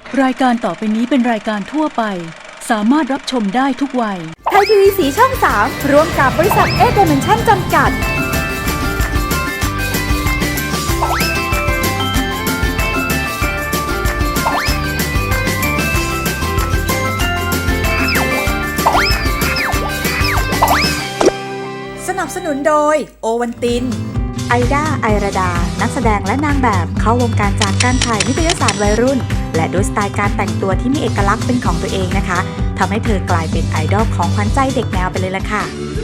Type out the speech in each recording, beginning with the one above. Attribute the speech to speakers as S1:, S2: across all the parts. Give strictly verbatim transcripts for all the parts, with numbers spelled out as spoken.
S1: รายการต่อไปนี้เป็นรายการทั่วไปสามารถรับชมได้ทุกวัย
S2: ไทยทีวีสีช่องสามร่วมกับบริษัทเอเดเมนชั่นจำกัดสนับสนุนโดยโอวันตินไอดาไอราดานักแสดงและนางแบบเข้าวงการจากการถ่ายนิตยสารวัยรุ่นและด้วยสไตล์การแต่งตัวที่มีเอกลักษณ์เป็นของตัวเองนะคะทำให้เธอกลายเป็นไอดอลของขวัญใจเด็กแนวไปเลยล่ะค่ะ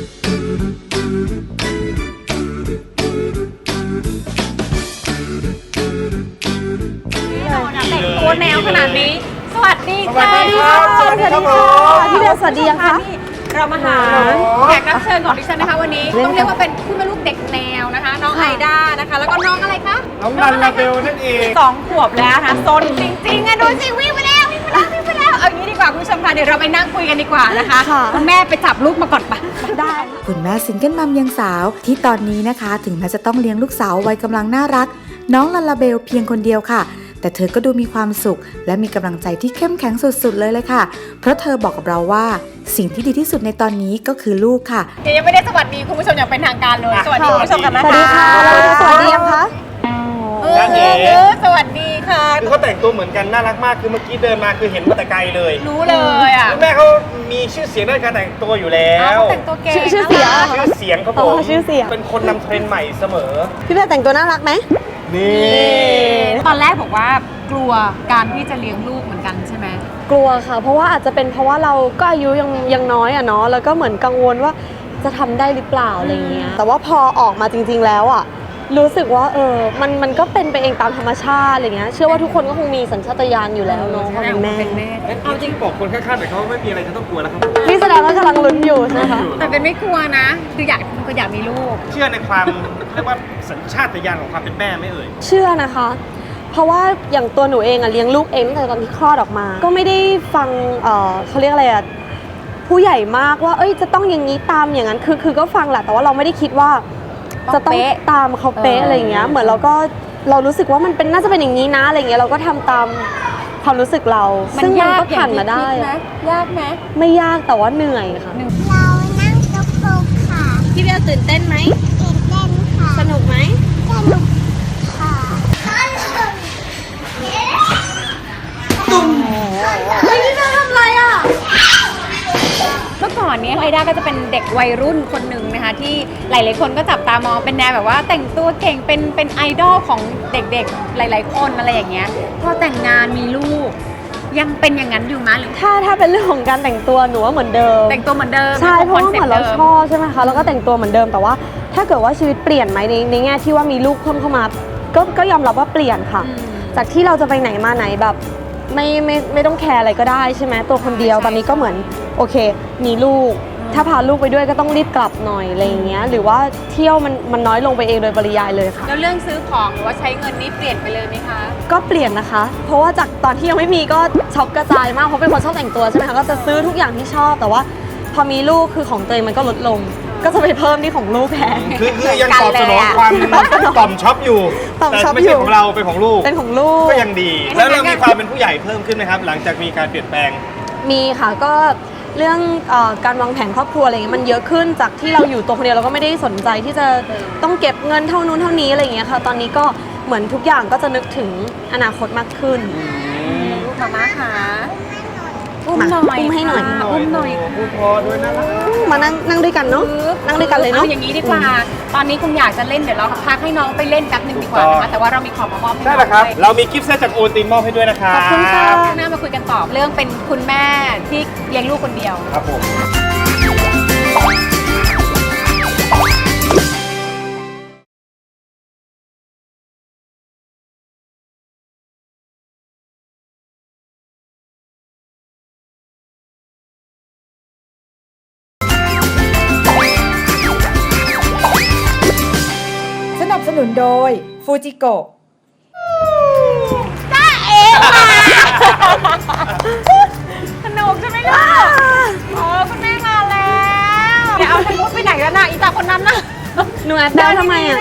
S3: แต่งตัวแนวขนาดนี้สวัสดีค่ะ
S4: สวัสดีครับ
S3: สวัสดีค่ะ
S2: พี่เบลสวัสดียังคะ
S3: เรามาหาแขกรับเชิญของดิฉันนะคะวันนี้ต้องเรียกว่าเป็นผู้แม่ลูกเด็กแนวนะคะน้องไอด้านะคะแล้วก็น้องอะไรคะ
S4: น้องนันลาเบลนั่นเอง
S3: สองขวบแล้วนะซนจริงๆอะดูสิวิ่งไปแล้ววิ่งไปแล้ววิ่งไปแล้วเอาอย่างนี้ดีกว่าคุณผู้ชมค่ะเดี๋ยวเราไปนั่งคุยกันดีกว่านะคะคุณแม่ไปจับลูกมาก่อนปะได้
S2: คุณแม่ซิงเกิลมัมยังสาวที่ตอนนี้นะคะถึงแม้จะต้องเลี้ยงลูกสาววัยกำลังน่ารักน้องลาลาเบลเพียงคนเดียวค่ะแต่เธอก็ดูมีความสุขและมีกำลังใจที่เข้มแข็งสุดๆเลยเลยค่ะเพราะเธอบอกกับเราว่าสิ่งที่ดีที่สุดในตอนนี้ก็คือลูกค่ะ
S3: เดี๋ยวยังไม่ได้สวัสดีคุณผู้ชมอย่างเป็นทางการเลยสวัสดีคุณผู้ชมกันนะคะ
S2: สวัสดีค่ะสวัสดียังคะ
S3: เออสวัสดีค่ะ
S4: คือเขาแต่งตัวเหมือนกันน่ารักมากคือเมื่อกี้เดินมาคือเห็นมาแต่ไกลเลย
S3: รู้เลยอ่ะ
S4: คุณแม่เขามีชื่อเสียงด้านการแต่งตัวอยู่แล้ว
S3: เขาแต่งตัวเก่ง
S2: ชื่อเสียง
S4: ชื่อเสียงเขาผม
S2: ชื่อเสียง
S4: เป็นคนนำเทรนด์ใหม่เสมอ
S2: พี่เบลแต่งตัวน่ารักไหม
S4: นี่
S3: ตอนแรกบอกว่ากลัวการที่จะเลี้ยงลูกเหมือนกันใช่ไหม
S5: กลัวค่ะเพราะว่าอาจจะเป็นเพราะว่าเราก็อายุยังยังน้อยอ่ะเนาะแล้วก็เหมือนกังวลว่าจะทำได้หรือเปล่าอะไรเงี้ยแต่ว่าพอออกมาจริงๆแล้วอ่ะรู้สึกว่าเออมันมันก็เป็นไปเองตามธรรมชาติอะไรเงี้ยเชื่อว่าทุกคนก็คงมีสัญชาตญาณอยู่แล้วเนาะเพราะเป็นแม่
S4: เอาจริงบอกคนข้างๆแต่เขาไม่มีอะไรจะต้องกลัวแล้วครับ
S5: นี่แสดงว่ากำลังลุ้นอยู่ใช่ไหมคะ
S3: แต่เป็นไม่กลัวนะคืออยากก็อยากมีลูก
S4: เชื่อในความเรียกว่าสัญชาตญาณของความเป็นแม่ไม่เอ่ย
S5: เชื่อนะคะเพราะว่าอย่างตัวหนูเองอะเลี้ยงลูกเองตั้งแต่ตอนที่คลอดออกมาก็ไม่ได้ฟังเออเขาเรียกอะไรอะผู้ใหญ่มากว่าเอ้ยจะต้องอย่างนี้ตามอย่างนั้นคือคือก็ฟังแหละแต่ว่าเราไม่ได้คิดว่าจะต้องตามเขาเป๊ะอะไรอย่างเงี้ยเหมือนเราก็เรารู้สึกว่ามันเป็นน่าจะเป็นอย่างนี้นะอะไรอย่างเงี้ยเราก็ทำตามความรู้สึกเราซึ่งมันก็ผ่านมาได้
S3: ยากไหม
S5: ไม่ยากแต่ว่าเหนื่อยค่ะ
S6: เรานั่งตุ๊กตุ๊กค่ะ
S5: พี่เบลตื่นเต้นไหม
S6: ตื่นเต้นค่ะ
S5: สนุกไหม
S6: สนุกค่ะ
S5: ตุ้มเฮ้ยพี่เบลทำอะไรอ่ะ
S3: เมื่อก่อนนี้ไอด้าก็จะเป็นเด็กวัยรุ่นคนหนึ่งนะคะที่หลายๆคนก็จับตามองเป็นแนวแบบว่าแต่งตัวเก่งเป็นเป็นไอดอลของเด็กๆหลายๆคนอะไรอย่างเงี้ยพอแต่งงานมีลูกยังเป็นอย่างนั้นอยู่มั้ยหรือ
S5: ถ้าถ้าเป็นเรื่องของการแต่งตัวหนูว่าเหมือนเดิม
S3: แต่งตัวเหมือนเดิม
S5: ใช่เพราะว่าเหมือนเราชอบใช่ไหมคะแล้วก็แต่งตัวเหมือนเดิมแต่ว่าถ้าเกิดว่าชีวิตเปลี่ยนไหมในในแง่ที่ว่ามีลูกเพิ่มเข้ามาก็ก็ยอมรับว่าเปลี่ยนค่ะจากที่เราจะไปไหนมาไหนแบบไม่ไม่ไม่ต้องแคร์อะไรก็ได้ใช่ไหมตัวคนเดียวตอนนี้ก็เหมือนโอเคมีลูกถ้าพาลูกไปด้วยก็ต้องรีบกลับหน่อยอะไรอย่างเงี้ยหรือว่าเที่ยวมันมันน้อยลงไปเองโดยปริยายเลยค่ะ
S3: แล้วเรื่องซื้อของหรือว่าใช้เงินนี้เปลี่ยนไปเลยไหมคะ
S5: ก็เปลี่ยนนะคะเพราะว่าจากตอนที่ยังไม่มีก็ช็อปกระจายมากเพราะเป็นคนชอบแต่งตัวใช่ไหมคะก็จะซื้อทุกอย่างที่ชอบแต่ว่าพอมีลูกคือของตัวเองมันก็ลดลงก็จะไปเพิ่มที่ของลูกแทน
S4: คือคือยังตอบสนองความต่อมช็อปอยู่แต่ไม่ใช่ของเราเป็นของลูก
S5: เป็นของลูก
S4: ก็ยังดีแล้วเรามีความเป็นผู้ใหญ่เพิ่มขึ้นไหมครับหลังจากมีการเปลี่ยนแปลง
S5: มีค่ะก็เรื่องเอ่อการวางแผนครอบครัวอะไรเงี้ยมันเยอะขึ้นจากที่เราอยู่ตัวคนเดียวเราก็ไม่ได้สนใจที่จะต้องเก็บเงินเท่านู้นเท่านี้อะไรเงี้ยค่ะตอนนี้ก็เหมือนทุกอย่างก็จะนึกถึงอนาคตมากขึ้น
S3: ลูกมาม่าค่ะ
S5: อุ้มหน่อยอุ้มให้หน่อย
S3: อุ้มหน่อย
S4: อุ้มพอด้วยนะ
S5: มานั่งนั่งด้วยกันเนาะนั่งด้วยกันเลยเนาะ
S3: อย่างนี้ดีกว่าตอนนี้คุณอยากจะเล่นเดี๋ยวเราพักให้น้องไปเล่นแป๊บนึงดีกว่านะคะแต่ว่าเรามีของมามอบให้
S4: ใช่แล้วครับเรามีกิฟต์เซตจากโอตินมอบให้ด้วยนะครับ
S5: ขอบคุณค่ะ
S3: หน้ามาคุยกันต่อเรื่องเป็นคุณแม่ที่เลี้ยงลูกคนเดียว
S4: ครับผม
S2: สนุนโดยฟูจิโกะ
S3: จ้าเอ๋สนุกใช่ไหมล่ะอ๋อคุณแม่มาแล้วเดี๋ยวเอาทะลุไปไหนแล้วนะอีตาคนนั้นน่ะ
S5: หนูแอบแบลทำไมอ่ะ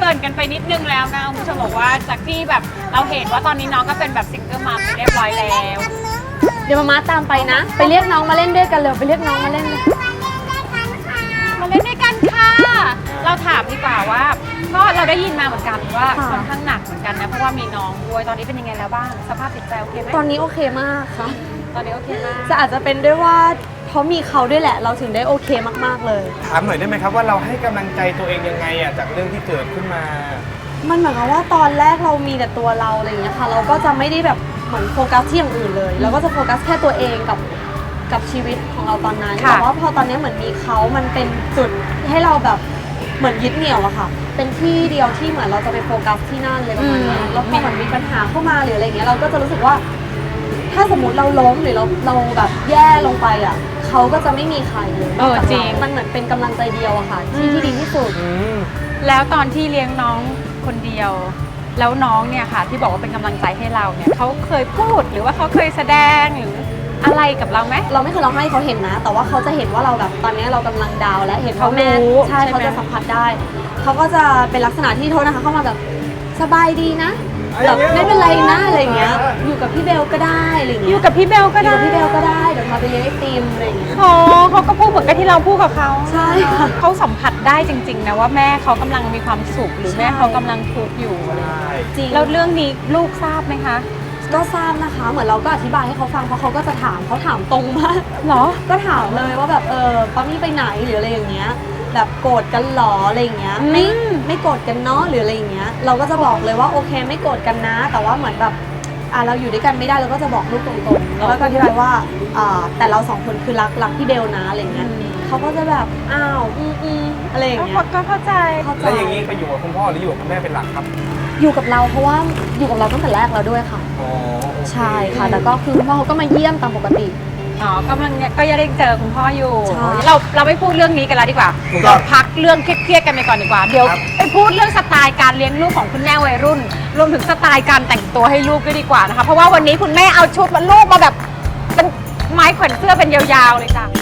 S3: เกริ่นกันไปนิดนึงแล้วนะคุณผู้ชมบอกว่าจากที่แบบเราเห็นว่าตอนนี้น้องก็เป็นแบบซิงเกิลมัมไปเรียบร้อยแล้ว
S5: เดี๋ยวมาม่าตามไปนะ ไปเรียกน้องมาเล่นด้วยกันเลยไปเรียกน้องมาเล่นเลย
S3: มาเล่นด้วยกันค่ะ เราถามดีกว่าว่าก็เราได้ยินมาเหมือนกันว่า
S5: ค่ะ
S3: ค่อนข้างหนักเหมือนกันนะเพราะว่ามีน้องด้วยตอนนี้เป็นยังไงแล้วบ้างสภาพจิตใจโอเคไหม
S5: ตอนนี้โอเคมากค่ะ
S3: ตอนนี้โอเคมาก
S5: จะอาจจะเป็นด้วยว่าเพราะมีเขาด้วยแหละ เราถึงได้โอเคมากๆเลย
S4: ถามหน่อยได้ไหมครับว่าเราให้กำลังใจตัวเองยังไงอ่ะจากเรื่องที่เกิดขึ้นมา
S5: มันเหมือนกับว่าตอนแรกเรามีแต่ตัวเราอะไรอย่างเงี้ยค่ะ เราก็จะไม่ได้แบบเหมือนโฟกัสที่อย่างอื่นเลย เราก็จะโฟกัสแค่ตัวเองกับกับชีวิตของเราตอนนั้น
S3: ค่ะ
S5: แต่ว่าพอตอนนี้เหมือนมีเขามันเป็นจุดให้เราแบบเหมือนยึดเหนี่ยวอะค่ะ เป็นที่เดียวที่เหมือนเราจะไปโฟกัสที่นั่นเลยประมาณเนี้ยแล้วพอเหมือนมีปัญหาเข้ามาหรืออะไรเงี้ยเราก็จะรู้สึกว่า ถ้าสมมติเราล้มหรือเราเราแบบแย่ลงไปอะเขาก็จะไม่มีใครเลย
S3: เออจริง
S5: มันเหมือนเป็นกำลังใจเดียวอะค่ะ ที่ที่ดีที่สุด
S4: อืม
S3: แล้วตอนที่เลี้ยงน้องคนเดียว แล้วน้องเนี่ยค่ะที่บอกว่าเป็นกำลังใจให้เราเนี่ยเขาเคยพูดหรือว่าเขาเคยแสดงหรืออะไรกับเราไหม
S5: เราไม่เคยร้องไห้ให้เขาเห็นนะ แต่ว่าเขาจะเห็นว่าเราแบบตอนนี้เรากำลังดาวน์และเห็นว่าแม่
S3: เขารู้
S5: ใช่
S3: ใช่ไหม
S5: เขาจะสัมผัสได้ เขาก็จะเป็นลักษณะที่โทษนะคะเข้ามาแบบสบายดีนะแบบไม่เป็นไรนะอะไรอย่างเงี้ย อยู่กับพี่เบลก็ได้อะไรอย่าง
S3: อ
S5: เงี้ย
S3: ยู่กับพี่เบลก็
S5: อยู่
S3: ได้
S5: กับพี่เบลก็ได้เดี๋ยวพาไปเลี้ยงไอติมอะไรอย่างเงี้ย
S3: โอ้เขาก็พูดเหมือนกับที่เราพูดกับเขา
S5: ใช่ค่ะ
S3: เขาสัมผัสได้จริงๆนะว่าแม่เขากำลังมีความสุขหรือแม่เขากำลังทุกข์อยู่อะไรอย่างเงี้ย
S5: จริง
S3: แล้วเรื่องนี้ลูกทราบไหมคะ
S5: ก็ทราบนะคะ เหมือนเราก็อธิบายให้เขาฟังเพราะเขาก็จะถามเขาถามตรงมาก
S3: หรอ
S5: ก็ถามเลยว่าแบบเออป้ามี่ไปไหนหรืออะไรอย่างเงี้ยแบบโกรธกันหรออะไรอย่างเงี้ยไม่
S3: อืม
S5: ไม่โกรธกันเนาะหรืออะไรอย่างเงี้ยเราก็จะบอกเลยว่าโอเคไม่โกรธกันนะ แต่ว่าเหมือนแบบอ่ะเราอยู่ด้วยกันไม่ได้เราก็จะบอกลูกตรงๆแล้วก็อธิบายว่าอ่าแต่เราสองคนคือรักรักพี่เบลนะอะไรอย่างเงี้ยเขาก็จะแบบอ้าวอืมอืมอะไรอย่างเงี้ย
S3: ก็เข้าใจ
S5: เข้าใจ
S4: แล้วอย่างนี้ไปอยู่กับคุณพ่อหรืออยู่กับคุณแม่เป็นหลักครับ
S5: อยู่กับเราเพราะว่าอยู่กับเราตั้งแต่แรกแล้วด้วยค่ะ
S4: อ๋อโอเค
S5: ใช่ค่ะแต่ก็คือคุณพ่อเขาก็มาเยี่ยมตามปกติ
S3: อ๋อกำลังเนี่ยก็ยังได้เจอคุณพ่ออยู่
S5: ใช่
S3: เราเราไม่พูดเรื่องนี้กันแล้วดีกว่า
S4: ถูกต้อง
S3: เราพักเรื่องเครียดๆกันไปก่อนดีกว่า เดี๋ยว
S4: ครับ
S3: ไปพูดเรื่องสไตล์การเลี้ยงลูกของคุณแม่วัยรุ่น รวมถึงสไตล์การแต่งตัวให้ลูกด้วยดีกว่านะคะ เพราะว่าวันนี้คุณแม่เอาชุดมาลูกมาแบบเป็นไม้แขวนเสื้อเป็นยาวๆเลยจ้ะ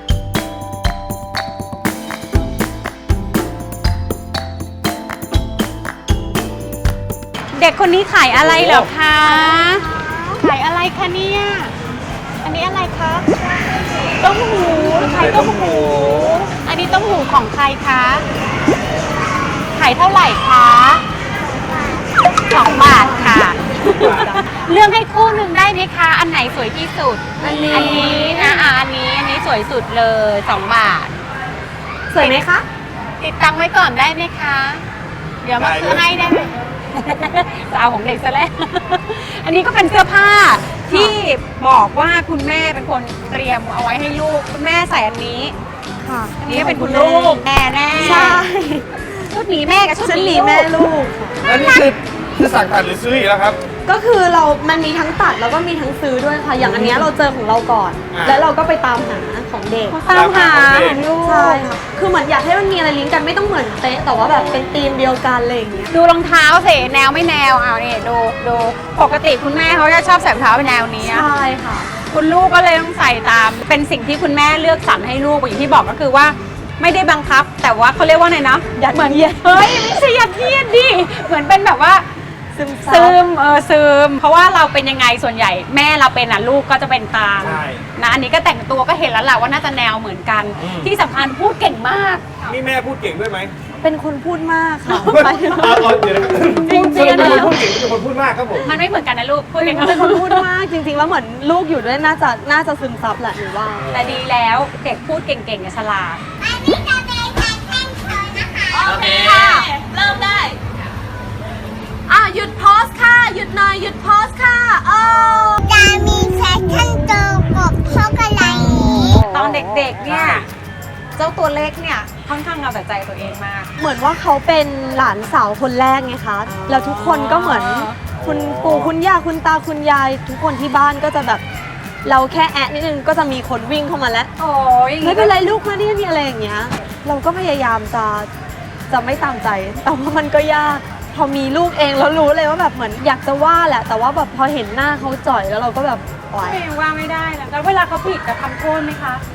S3: เด็กคนนี้ขายอะไรเหรอคะ ขายอะไรคะเนี่ย อันนี้อะไรคะ ต้มหูขายต้มหู อันนี้ต้มหูของใครคะ ขายเท่าไหร่คะสองบาทค่ะ เรื่องให้คู่หนึ่งได้ไหมคะ อันไหนสวยที่สุด
S5: อันนี้
S3: อันนี้นะอ่ะอันนี้ อันนี้สวยสุดเลยสองบาท
S5: สวยไหมคะ
S3: ติดตังค์ไว้ก่อนได้ไหมคะ เดี๋ยวมาซื้อให้ได้ไหม จะเอาของเด็กซะแล้ว อันนี้ก็เป็นเสื้อผ้าที่บอกว่าคุณแม่เป็นคนเตรียมเอาไว้ให้ลูก คุณแม่ใส่อันนี้
S5: ค่ะ
S3: อันนี้เป็นคุณลูกแม่แน่
S5: ใช่
S3: ชุดหมีแม่กับชุด
S5: ฉัน
S3: ห
S5: ห
S3: มี
S5: นีแม่ลูกค่ะ
S4: แล้วนี่คือคือสั่งตัดหรือซื้ออีกแล้วครับ
S5: ก็คือเรา มันมีทั้งตัดแล้วก็มีทั้งซื้อด้วยค่ะ อย่างอันเนี้ยเราเจอของเราก่อน
S4: อ่า
S5: แล้วเราก็ไปตามหาของเด็ก
S3: ตามหาของลูก
S5: ใช่ค่ะ คือเหมือนอยากให้มันมีอะไรลิงก์กันไม่ต้องเหมือนเต๊ะแต่ว่าแบบเป็นธีมเดียวกันอะไรอย่างเงี้ย
S3: ดูรองเท้าสิแนวไม่แนวเอานี่ดูดูปกติคุณแม่เขาจะชอบใส่รองเท้าเป็นแนวนี้
S5: ใช่ค่ะ
S3: คุณลูกก็เลยต้องใส่ตาม เป็นสิ่งที่คุณแม่เลือกสรรให้ลูกอย่างที่บอกก็คือว่าไม่ได้บังคับ แต่ว่าเขาเรียกว่าไงนะเหมือนเฮ้ยไม่ใช่ยัดเยียดดิเหมือนเป็นแบบว่า
S5: ซึมซับ
S3: ซึมเออซึมเพราะว่าเราเป็นยังไงส่วนใหญ่แม่เราเป็นอ่ะลูกก็จะเป็นตาม
S4: ใช่
S3: นะอันนี้ก็แต่งตัวก็เห็นแล้วแหละว่าน่าจะแนวเหมือนกัน
S4: อืม
S3: ที่สำคัญพูดเก่งมาก
S4: นี่แม่พูดเก่งด้วยไหม
S5: เป็นคนพูดมากค่ะ
S4: เอาเอาเดี๋ยวนะ
S3: จริงๆ
S4: ส่วนเป็นคน
S3: แล้ว
S4: พูดเก่งเป็นคนพูดมากครับผม
S3: มันไม่เหมือนกันนะลูกพูดเก่ง
S5: เป็นคนพูดมากจริงๆ แล้วเหมือนลูกอยู่ด้วยน่าจะน่าจะซึมซับแหละหนูว่า
S3: แต่ดีแล้วเด็กพูดเก่งๆเนี่ยฉลาด
S6: อันนี้จะเป็นการเต้นโชว์นะคะ
S3: โอเคค่ะเริ่มได้
S5: อ่ะหยุดโพสค่ะ หยุดหน่อยหยุดโพสค่ะโอ้
S6: จะมีแฟชั่นโตกับช็อกโกแลต
S3: ตอนเด็กๆเนี่ยเจ้าตัวเล็กเนี่ยค่อนข้างเอาแต่ใจตัวเองมาก
S5: เหมือนว่าเขาเป็นหลานสาวคนแรกไงคะ แล้วทุกคนก็เหมือนคุณปู่คุณย่าคุณตาคุณยาย ทุกคนที่บ้านก็จะแบบ เราแค่แอะนิดนึงก็จะมีคนวิ่งเข้ามาแล้ว
S3: โอ้ย
S5: ไม่เป็นไรลูกมาดินี่อะไรอย่างเงี้ย เราก็พยายามจะจะไม่ตามใจ แต่ว่ามันก็ยาก พอมีลูกเองแล้วรู้เลยว่าแบบเหมือนอยากจะว่าแหละ แต่ว่าแบบพอเห็นหน้าเขาจ่อยแล้วเราก็แบบปล่อย
S3: ไม่ว่าไม่ได้นะแล้วเวลาเขาผิดจะทำโทษไหมคะ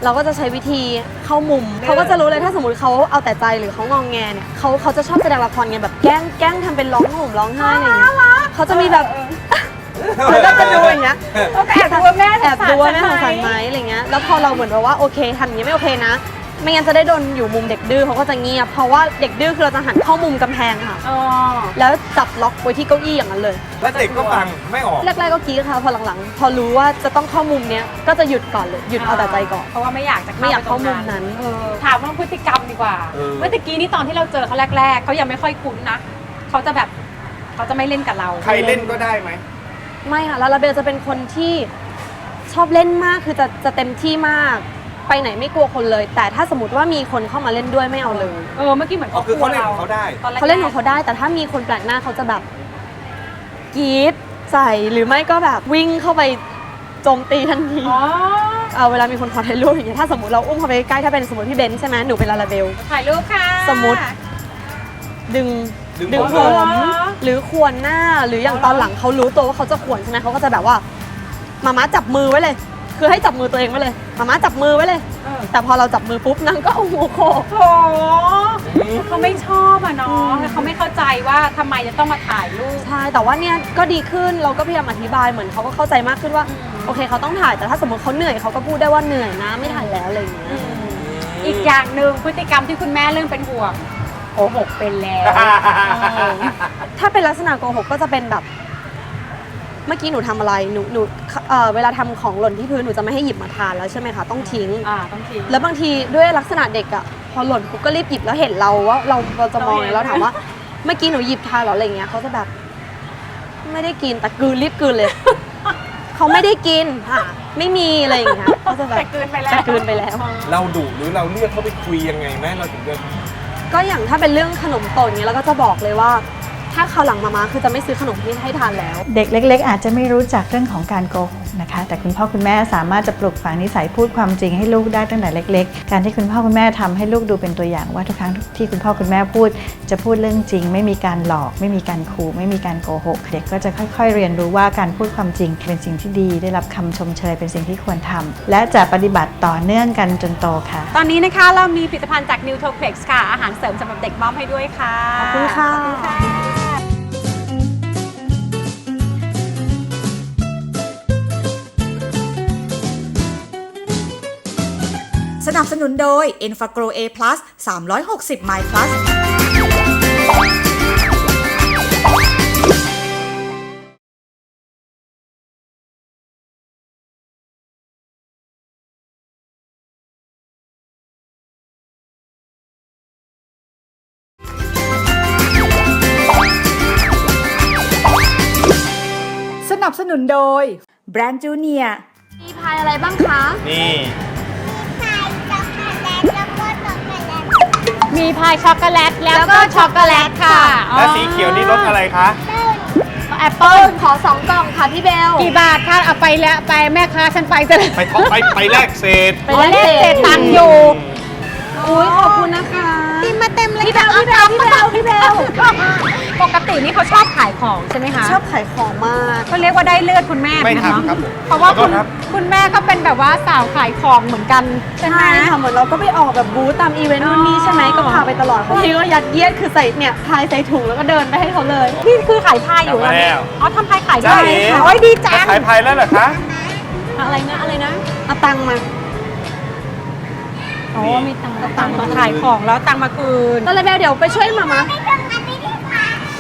S5: เราก็จะใช้วิธีเข้ามุมเขาก็จะรู้เลยถ้าสมมติเขาเอาแต่ใจหรือเขางองแงเนี่ยเขาเขาจะชอบแสดงละครไงแบบแกล้งแกล้งทำเป็นร้องห่มร้องไห้อะไรอย่างเงี้ยเขาจะมีแบบแล้วก็จะดูอย่างเงี้ย
S3: แอบดูว่าแม่
S5: แอบดูว่าแม่สงสาร
S3: ไห
S5: ไหมอะไรเงี้ยแล้วพอเราเหมือนแบบว่าโอเคทำอย่างนี้ไม่โอเคนะไม่งั้นจะได้โดนอยู่มุมเด็กดื้อเขาก็จะเงียบเพราะว่าเด็กดื้อคือเราจะหันเข้ามุมกำแพงค่ะ
S3: อ๋อ
S5: แล้วจับล็อกไว้ที่เก้าอี้อย่างนั้นเลย
S4: แล้วเด็กก็ฟังไม่ออก
S5: แรกๆก็กรี้ค่ะพอหลังๆ พอรู้ว่าจะต้องเข้ามุมเนี้ยก็จะหยุดก่อนเลยหยุดเอาแต่ใจก่อน
S3: เพราะว่าไม่อยากจะ
S5: ไม่อยาก
S3: ป
S5: เข้า
S3: ตรง
S5: มุมนั้น
S3: เออถามว่าพฤติกรรมดีกว่า
S4: เออ
S3: เมื่อตะกี้นี่ตอนที่เราเจอเขาแรกๆเขายังไม่ค่อยคุ้นนะเขาจะแบบเขาจะไม่เล่นกับเรา
S4: ใครเล่นก็ได้ไหม
S5: ไม่ค่ะแล้วลาเบลจะเป็นคนที่ชอบเล่นมากคือจะจะเต็มที่มาก ไปไหนไม่กลัวคนเลย แต่ถ้าสมมติว่ามีคนเข้ามาเล่นด้วยไม่เอาเลย
S3: เออเมื่อกี้เหมือน
S4: อ๋อคือเขาเล่นของเขาได้
S3: ตอนแรกๆ
S5: เขาเล่นของเขาได้ แต่ถ้ามีคนแปลกหน้าเขาจะแบบกรี๊ดใส่หรือไม่ก็แบบวิ่งเข้าไปโจมตีทันที
S3: อ๋อ
S5: เอาเวลามีคนขอถ่ายรูปอย่างเงี้ยถ้าสมมติเราอุ้มเขาไปใกล้ถ้าเป็นสมมติพี่เบนซ์ใช่ไหมหนูเป็นลาลาเบล
S3: ถ่ายรูปค่ะ
S5: สมมุติ ดึง
S4: ดึง
S5: ดึง
S4: ผม
S5: ผม หรือข่วนหน้าหรืออย่างตอนหลังเขารู้ตัวว่าเขาจะข่วนใช่ไหมเขาก็จะแบบว่ามาม่าจับมือไว้เลย คือให้จับมือตัวเองไว้เลยมาม่าจับมือไว้เลย
S3: เออ
S5: แต่พอเราจับมือปุ๊บนางก็เอาหัวโขก
S3: โอ้โหเขาไม่ชอบอ่ะน้องเขาไม่เข้าใจว่าทำไมจะต้องมาถ่ายรูป
S5: ใช่แต่ว่าเนี่ยก็ดีขึ้นเราก็พยายามอธิบายเหมือนเขาก็เข้าใจมากขึ้นว่า
S3: อืม
S5: โอเคเขาต้องถ่ายแต่ถ้าสมมติเขาเหนื่อยเขาก็พูดได้ว่าเหนื่อยนะไม่ถ่ายแล้วอะไรอย่างเงี้ย
S3: อีกอย่างหนึ่งพฤติกรรมที่คุณแม่เริ่มเป็นห่วงโกหกเป็นแล้วเออ
S5: ถ้าเป็นลักษณะโกหกก็จะเป็นแบบ เมื่อกี้หนูทำอะไรหนูหนูเอ่อเวลาทำของหล่นที่พื้นหนูจะไม่ให้หยิบมาทานแล้วใช่ไหมคะต้องทิ้ง
S3: อ่าต้องทิ้ง
S5: แล้วบางทีด้วยลักษณะเด็กอะพอหล่นปุ๊บก็รีบหยิบแล้วเห็นเราว่าเราเราจะมอง
S3: เราเห็น
S5: แล้วถามว่า เมื่อกี้หนูหยิบทานเหรออะไรเงี้ยเขาจะแบบ ไม่ได้กินแต่กลืนรีบกลืนเลย เขาไม่ได้กินค่ะไม่มีอะไรอย่างเงี้ยเขาจะแบบ
S3: แต่กลืนไปแล้ว
S5: แต่กลืนไปแล้ว
S4: เราดุหรือเราเรียกเขาไปคุยยังไงแม่เราถึงจะ
S5: ก็อย่างถ้าเป็นเรื่องขนมโตอย่างเงี้ยเราก็จะบอกเลยว่า ถ้าคราวหลังมามาคือจะไม่ซื้อขนมที่ให้ทานแล้ว
S7: เด็กเล็กๆ อาจจะไม่รู้จักเรื่องของการโกหกนะคะแต่คุณพ่อคุณแม่สามารถจะปลูกฝังนิสัยพูดความจริงให้ลูกได้ตั้งแต่เล็กๆ การที่คุณพ่อคุณแม่ทำให้ลูกดูเป็นตัวอย่างว่าทุกครั้งที่คุณพ่อคุณแม่พูดจะพูดเรื่องจริง ไม่มีการหลอกไม่มีการขู่ไม่มีการโกหกเด็กก็จะค่อยๆเรียนรู้ว่าการพูดความจริงเป็นสิ่งที่ดีได้รับคำชมเชยเป็นสิ่งที่ควรทำและจะปฏิบัติต่อเนื่องกันจนโตค่ะ
S3: ตอนนี้นะคะเรามีผลิตภัณฑ์จาก Nutroflex ค่ะอาหารเสริมสำหรับเด็กมอบให้ด้วยค่ะ
S5: ขอบคุณค่ะ
S3: ขอบคุณค่ะ
S2: สนับสนุนโดย e n f a g r o A+ สามร้อยหกสิบ My Plus สนับสนุนโดยแบรนด์จูเนีย
S5: มีพายอะไรบ้างคะ
S4: นี่
S6: ไข่ช็อกโกแลตแล้วก็ช็อกโกแลต
S3: มีพายช็อกโกแลตแล้วก็ช็อกโกแลตค่ะ
S4: และสีเขียวนี่รสอะไรคะ
S3: แอปเปิ้ล
S5: ขอสองกล่องค่ะพี่เบล
S3: กี่บาทคะเอาไปแล้วไปแม่ค้าฉันไปจะเลย
S4: ไปทองไปไปแลกเศษ
S5: ไป
S3: อ๋อ
S5: แลก
S3: เลข
S5: เศ
S3: เศ
S5: ษ
S3: ษตังค์อยู่
S5: อุ้ยขอบคุณนะคะ
S3: มาเต็มเลยพี่เบลพี่เบลพี่เบลพี่เบลปกตินี่เขาชอบขายของใช่ไหมคะ
S5: ชอบขายของมาก
S3: เขาเรียกว่าได้เลือดคุณแม่
S4: ไม่
S3: เหอนกัน
S4: ทำครับ
S3: เนาะ
S4: ผม
S3: เพราะว่า
S4: ขอโท
S3: คุ
S4: ษ
S3: ณ
S4: ครับ
S3: คุณแม่ก็เป็นแบบว่าสาวขายของเหมือนกันใช่ไหม
S5: ใช่ค่ะเหมือนเราก็ไปออกแบบบูธตามอีเวนต์นู่นนี่ใช่ไหม
S3: อ๋อ
S5: ก็พาไปตลอดบางทีก็ยัดเยียดคือใส่เนี่ยพายใส่ถุงแล้วก็เดินไปให้เขาเลย
S3: นี่คือขายพายอยู่
S4: กลับมา
S3: เนี่ย
S4: แล้ว
S3: อ๋อทำพายขาย
S4: จ้า
S3: ได้
S4: เอ๋
S3: ค่ะโอ้ยดีจัง
S4: ขายพายแล้วเหรอคะ
S3: อะไรนะอะไรนะ
S5: เอาตังค์มา
S3: อ๋อมีตังค์ตังค์มาขายของแล้วตังค์มาคืน
S5: ก็เลยเบลเดี๋ยวไปช่วยมามา
S6: ไม่ต้องอันนี้ดีกว่า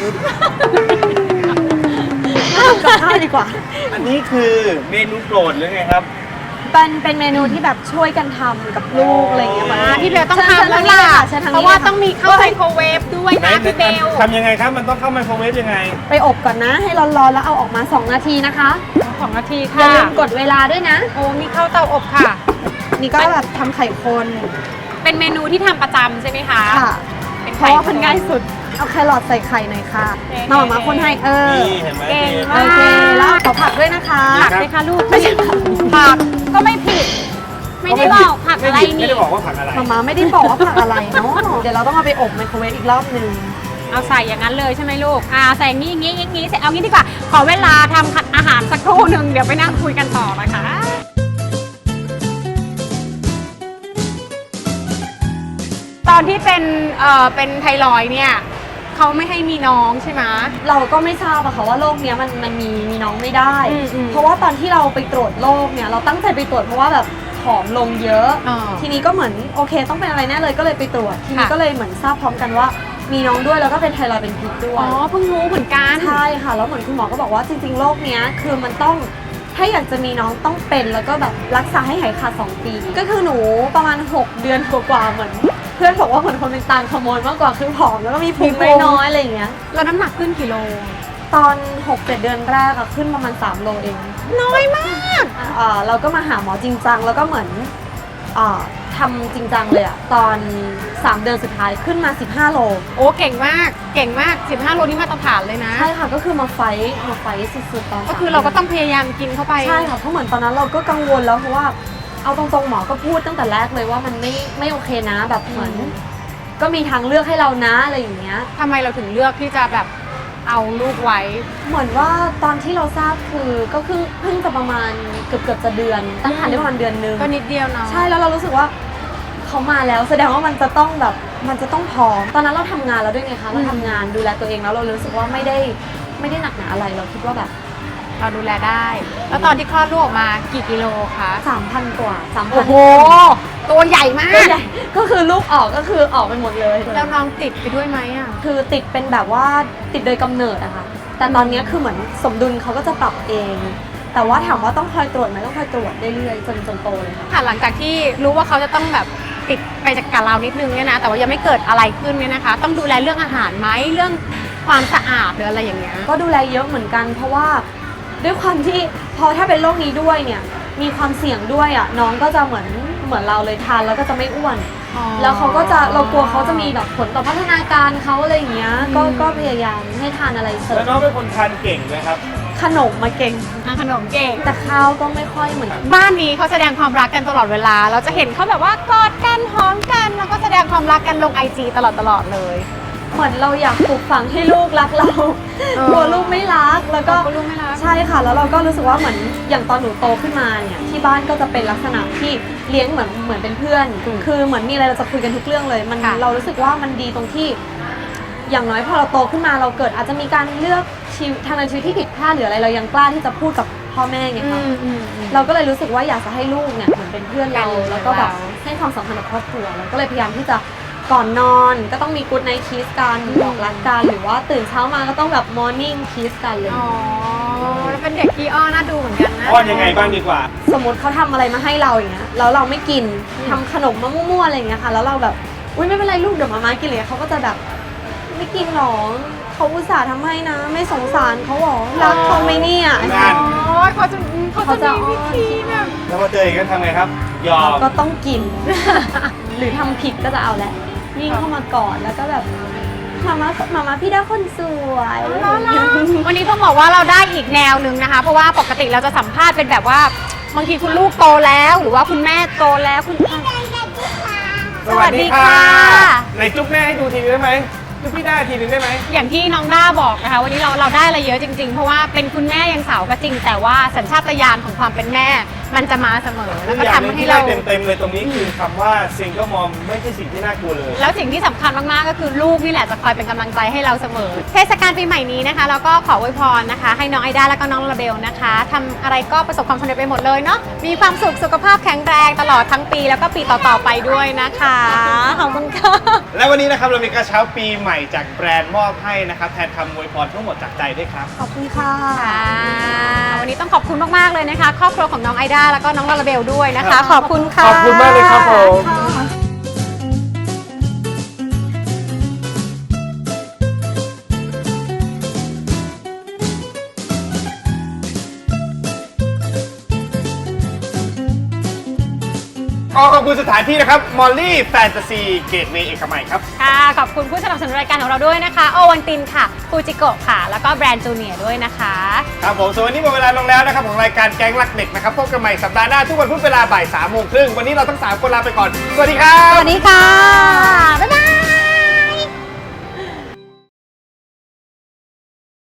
S5: ทำกับข้าวดีกว่า
S4: อันนี้คือเมนูโปรดหรือไงครับ
S5: เป็นเป็นเมนูที่แบบช่วยกันทำกับลูกอะไรอย่างเงี้ย
S3: อ่า
S5: มา
S3: พี่เบลต้อง
S5: ชิญ
S3: ทำแล้ว
S5: ชิญ
S3: ล่ะ
S5: ชิญทง
S3: เพ
S5: นี้
S3: ราะว่า
S5: ลยค่
S3: ต้องมีเข้าไมโครเวฟด้วยนะพี่เบล
S4: ทำยังไงครับ มันต้องเข้าไมโครเวฟยังไง
S5: ไปอบก่อนนะ ให้ร้อนๆแล้วเอาออกมาสองนาทีนะคะ
S3: สองนาที
S5: อย่า
S3: ค่ะ
S5: ลืมกดเวลาด้วยนะ
S3: โอ้มีข้าวเตาอบค่ะ
S5: นี่ก็แบบทำไข่คน
S3: เป็นเมนูที่ทำประจำใช่ไหมคะ
S5: ค่ะ
S3: เป็น
S5: เพ
S3: ไข่
S5: ราะว่ามันง่ายสุด เอาแครอทใส่ไข่หน่อยค่ะ มาหมามาคนให้ เออ
S4: นี่เห็นไหม
S3: เก่ง
S5: โอ
S3: มาก
S5: เค แล้วขอผักด้วยนะคะ
S3: ผักไหมคะลูกไม่ใช่ผักก็ไม่ผิด ไม่ได้บอกผักอะไร
S4: ไม่
S3: นี่
S4: ได้บอกว่าผักอะไร
S5: หมามาไม่ได้บอกว่าผักอะไรเนาะ เดี๋ยวเราต้องเอาไปอบไมโครเวฟอีกรอบหนึ่ง
S3: เอาใส่อย่างนั้นเลยใช่ไหมลูกอ่าใส่อย่างนี้อย่างนี้อย่างนี้เสร็จเอางี้ดีกว่า ขอเวลาทำอาหารสักครู่หนึ่งเดี๋ยวไปนั่งคุยกันต่อนะคะตอนที่เป็นเอ่อเป็นไทรอยด์เนี่ยเขาไม่ให้มีน้องใช่ไหม
S5: เราก็ไม่ทราบอะค่ะว่าโรคเนี้ยมันมันมีมีน้องไม่ได้
S3: อืมอืม
S5: เพราะว่าตอนที่เราไปตรวจโรคเนี่ยเราตั้งใจไปตรวจเพราะว่าแบบผอมลงเยอะ
S3: อ๋อ
S5: ทีนี้ก็เหมือนโอเคต้องเป็นอะไรแน่เลยก็เลยไปตรวจ ทีนี้
S3: ค่ะ
S5: ก็เลยเหมือนทราบพร้อมกันว่ามีน้องด้วยแล้วก็เป็นไทรอยด์เป็นพิษด้ว
S3: อ๋
S5: ย
S3: อเพิ่งรู้เหมือนกัน
S5: ใช่ค่ะแล้วเหมือนคุณหมอก็บอกว่าจริงๆโรคเนี้ยคือมันต้องถ้าอยากจะมีน้องต้องเป็นแล้วก็แบบรักษาให้หายขาดสองปีก็คือหนูประมาณหกเดือนกว่าๆเหมือนเพื่อนบอกว่าเหมือนคนเป็นตาลขโมยมากกว่าคือผอมแล้วก็มีพุงน้อยๆอะไรอย่างเงี้ย
S3: แล้วน้ำหนักขึ้นกี่โล
S5: ตอนหกเจ็ดเดือนแรกอะขึ้นประมาณสามโลเอง
S3: น้อยมาก
S5: อ่าเราก็มาหาหมอจริงจังแล้วก็เหมือนอ่าทำจริงจังเลยอะตอนสามเดือนสุดท้ายขึ้นมาสิบห้าโล
S3: โอ้เก่งมากเก่งมากสิบห้าโลนี่มาตรฐานเลยนะ
S5: ใช่ค่ะก็คือมาไฟท์มาไฟท์สุดๆตอน
S3: ก็คือเราก็ต้องพยายามกินเข้าไป
S5: ใช่ค่ะเพราะเหมือนตอนนั้นเราก็กังวลแล้วเพราะว่าเอาตรงๆหมอก็พูดตั้งแต่แรกเลยว่ามันไม่ไม่โอเคนะแบบเหมือนก็มีทางเลือกให้เรานะอะไรอย่างเงี้ย
S3: ทำไมเราถึงเลือกที่จะแบบเอาลูกไว้
S5: เหมือนว่าตอนที่เราทราบคือก็คือเพิ่งจะประมาณเกือบเกือบๆจะเดือนตั้งครรภ์ได้ประมาณเดือนนึง
S3: ก็นิดเดียวเนาะ
S5: ใช่แล้วเรารู้สึกว่าเขามาแล้วแสดงว่ามันจะต้องแบบมันจะต้องพร้อมตอนนั้นเราทำงานแล้วด้วยไงคะเราทำงานดูแลตัวเองแล้วเรารู้สึกว่าไม่ได้ไม่ได้หนักหนาอะไรเราคิดว่าแบบ
S3: เราดูแลได้ แล้วตอนที่คลอดลูกออกมากี่กิโลคะ
S5: สามพันกว่าสามพั
S3: โอ้
S5: น
S3: โห ตัวใหญ่มาก
S5: ใหญ่ก็คือลูกออกก็คือออกไปหมดเลย
S3: แล้วน้องติดไปด้วยไหมอ่ะ
S5: คือติดเป็นแบบว่าติดโดยกำเนิดอะค่ะแต่ตอนนี้คือเหมือนสมดุลเขาก็จะปรับเอง แต่ว่าถามว่าต้องคอยตรวจไหมต้องคอยตรวจเรื่อยๆจนจนโตเลยค่ะ
S3: ค่ะหลังจากที่รู้ว่าเขาจะต้องแบบติดไปจากกับเรานิดนึงเนี่ยนะ แต่ว่ายังไม่เกิดอะไรขึ้นเนี่ยนะคะ ต้องดูแลเรื่องอาหารไหมเรื่องความสะอาดหรืออะไรอย่างเงี้ย
S5: ก็ดูแลเยอะเหมือนกัน เพราะว่าด้วยความที่พอถ้าเป็นโรคนี้ด้วยเนี่ยมีความเสี่ยงด้วยอ่ะน้องก็จะเหมือนเหมือนเราเลยทานแล้วก็จะไม่อ้วน แล้วเขาก็จะเรากลัวเขาจะมีแบบผลต่อพัฒนาการเขาอะไรอย่างเงี้ยก็ก็พยายามให้ทานอะไรเสริ
S4: แล้ว
S5: ม
S4: น้องเป็นคนทานเก่งไหมครับ
S5: ขนมมาเก่ง
S3: ทานขนมเก่ง
S5: แต่ข้าวก็ไม่ค่อยเหมือน
S3: บ้านนี้เขาแสดงความรักกันตลอดเวลา เราจะเห็นเขาแบบว่ากอดกันหอมกันแล้วก็แสดงความรักกันลงไอจีตลอดตลอดเลย
S5: เหมือนเราอยากปลูกฝังให้ลูกรักเรา
S3: เออ
S5: กลัวลูกไม่รักแล้วก็
S3: กลัวลูกไม่รัก
S5: ใช่ค่ะ แล้วเราก็รู้สึกว่าเหมือนอย่างตอนหนูโตขึ้นมาเนี่ยที่บ้านก็จะเป็นลักษณะที่เลี้ยงเหมือนเหมือนเป็นเพื่อน คือเหมือนมีอะไรเราจะคุยกันทุกเรื่องเลยมัน
S3: ค่ะ
S5: เรารู้สึกว่ามันดีตรงที่ อย่างน้อยพอเราโตขึ้นมาเราเกิดอาจจะมีการเลือกชีวิตทางเดินชีวิตที่ผิดพลาดหรืออะไรเรายังกล้าที่จะพูดกับพ่อแม่ไง
S3: อื
S5: คะ
S3: มอืมอืม
S5: เราก็เลยรู้สึกว่าอยากจะให้ลูกเนี่ยเหมือนเป็นเพื่อนเรา
S3: เป็น
S5: แล้วก็แบบ
S3: เรา
S5: ให้ความสำคัญกับครอบครัวเราก็เลยพยายามที่จะก่อนนอนก็ต้องมีกู๊ดไนท์คิสกันบอกรักกันหรือว่าตื่นเช้ามาก็ต้องแบบมอร์นิ่งคิสกันเลย
S3: อ๋อแล้วเป็นเด็กขี้อ้อนน่าดูเหมือนกันนะ
S4: อ้อนยังไงบ้างดีกว่า
S5: สมมติเขาทำอะไรมาให้เราอย่างเงี้ยแล้วเราไม่กินทำขนมมามั่วๆอะไรอย่างเงี้ยค่ะแล้วเราแบบอุ้ยไม่เป็นไรลูกเดี๋ยวมาม่ากินเลยเขาก็จะแบบไม่กินหรอเขาอุตส่าห์ทำให้นะ ไม่สงสารเขาหรอรักเขาไหมเนี่ย
S4: นั่น
S3: โอ้ยเขาจะเขาจะมีวิธีแบบ
S4: แล้วพอเจออีกก็ทำไงครับ ยอม
S5: ก็ต้องกิน หรือทำผิดก็จะเอาแหละวิ่งเข้ามากอดแล้วก็แบบมาม่ามาม่าพี่ได้คนสวย
S3: วันนี้ต้องบอกว่าเราได้อีกแนวหนึ่งนะคะ เพราะว่าปกติเราจะสัมภาษณ์เป็นแบบว่าบางทีคุณลูกโตแล้ว หรือว่าคุณแม่โตแล้วคุณพ่อ
S4: สวัสดีค่ะไหนจุ๊บแม่ให้ดูทีนึงได้ไหมจุ๊บพี่ได้ทีนึงได้ไหม
S3: อย่างที่น้องด้าบอกนะคะวันนี้เราเราได้อะไรเยอะจริงๆ เพราะว่าเป็นคุณแม่ยังสาวก็จริง แต่ว่าสัญชาตญาณของความเป็นแม่ มันจะมาเสมอแล้วก็
S4: อย่างหนึง
S3: ทำให้
S4: ที่
S3: เรา
S4: ได้เต็มๆเลยตรงนี้คือคำว่าซิงเกิลมอมไม่ใช่สิ่งที่น่ากลัวเลย
S3: แล้วสิ่งที่สำคัญมากๆก็คือลูกนี่แหละจะคอยเป็นกำลังใจให้เราเสมอ เทศกาลปีใหม่นี้นะคะแล้วก็ขออวยพรนะคะ ให้น้องไอด้าและก็น้องลาเบลนะคะทำอะไรก็ประสบความสำเร็จไปหมดเลยเนาะมีความสุขสุขภาพแข็งแรงตลอดทั้งปีแล้วก็ปีต่อๆไปด้วยนะคะขอบคุณค่ะ
S4: และวันนี้นะครับเรามีกระเช้าปีใหม่จากแบรนด์มอบให้นะครับแทนคำอวยพรทั้งหมดจากใจด้วยครับ
S5: ขอบคุณค่ะ
S3: ค่ะวันนี้ต้องขอบคุณมากๆเลยนะคะ ครอบครัวของน้องไอด้าแล้วก็น้องลาลาเบลด้วยนะคะ ขอบคุณค่ะ
S4: ขอบคุณมากเลยครับผม ขอขอบคุณสถานที่นะครับมอลลี่แฟนตาซีเกตเวย์เอกมัยครับ
S3: ค่ะขอบคุณผู้สนับสนุนรายการของเราด้วยนะคะโอวันตินค่ะฟูจิโกะค่ะ แล้วก็แบรนด์จูเนียร์ด้วยนะคะ
S4: ครับผมส่วนวันนี้หมดเวลาลงแล้วนะครับของรายการแก๊งรักเด็กนะครับพบกันใหม่สัปดาห์หน้าทุกวันพุธเวลาบ่ายสามโมงครึ่งวันนี้เราทั้งสามคนลาไปก่อน สวัสดีครับ
S3: สวัสดีค่ะ บ๊ายบาย